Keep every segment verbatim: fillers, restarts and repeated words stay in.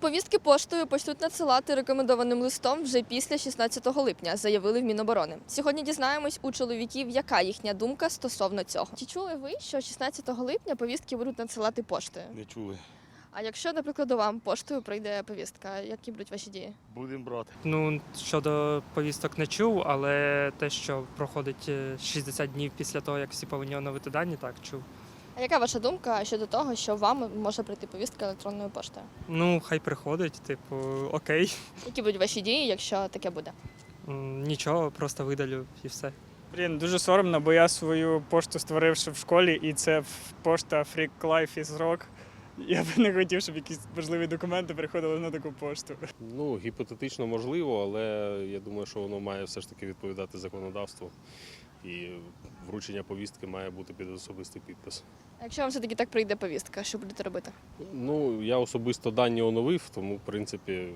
Повістки поштою почнуть надсилати рекомендованим листом вже після шістнадцятого липня, заявили в Міноборони. Сьогодні дізнаємось у чоловіків, яка їхня думка стосовно цього. Чи чули ви, що шістнадцятого липня повістки будуть надсилати поштою? Не чули. А якщо, наприклад, вам поштою прийде повістка, які будуть ваші дії? Будемо брати. Ну, щодо повісток не чув, але те, що проходить шістдесят днів після того, як всі повинні оновити дані, так, чув. А яка ваша думка щодо того, що вам може прийти повістка електронною поштою? Ну, хай приходить, типу, окей. Які будуть ваші дії, якщо таке буде? М, Нічого, просто видалю і все. Блін, дуже соромно, бо я свою пошту створив ще в школі, і це пошта Freak Life is Rock. Я б не хотів, щоб якісь важливі документи приходили на таку пошту. Ну, гіпотетично можливо, але я думаю, що воно має все ж таки відповідати законодавству. І вручення повістки має бути під особистий підпис. А якщо вам все-таки так прийде повістка, що будете робити? Ну, я особисто дані оновив, тому, в принципі,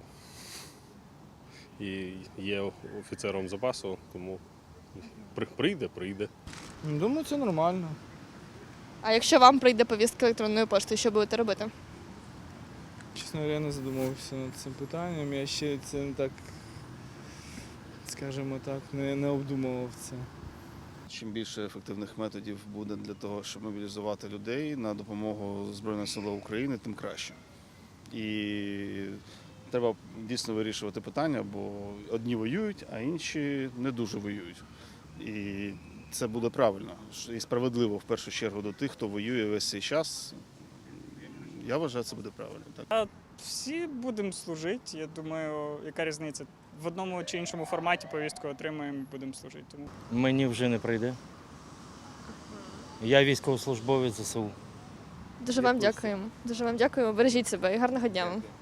і є офіцером запасу, тому при- прийде, прийде. Думаю, це нормально. А якщо вам прийде повістка електронною поштою, що будете робити? Чесно, я не задумувався над цим питанням. Я ще це не так, скажімо так, не, не обдумував це. Чим більше ефективних методів буде для того, щоб мобілізувати людей на допомогу Збройним силам України, тим краще. І треба дійсно вирішувати питання, бо одні воюють, а інші не дуже воюють. І це буде правильно і справедливо в першу чергу до тих, хто воює весь цей час. Я вважаю, це буде правильно. Так. Всі будемо служити, я думаю, яка різниця? В одному чи іншому форматі повістку отримаємо і будемо служити. Тому Мені вже не прийде. Я військовослужбовець ЗСУ. Дуже вам дякуємо. Дуже вам дякуємо. Бережіть себе і гарного дня вам.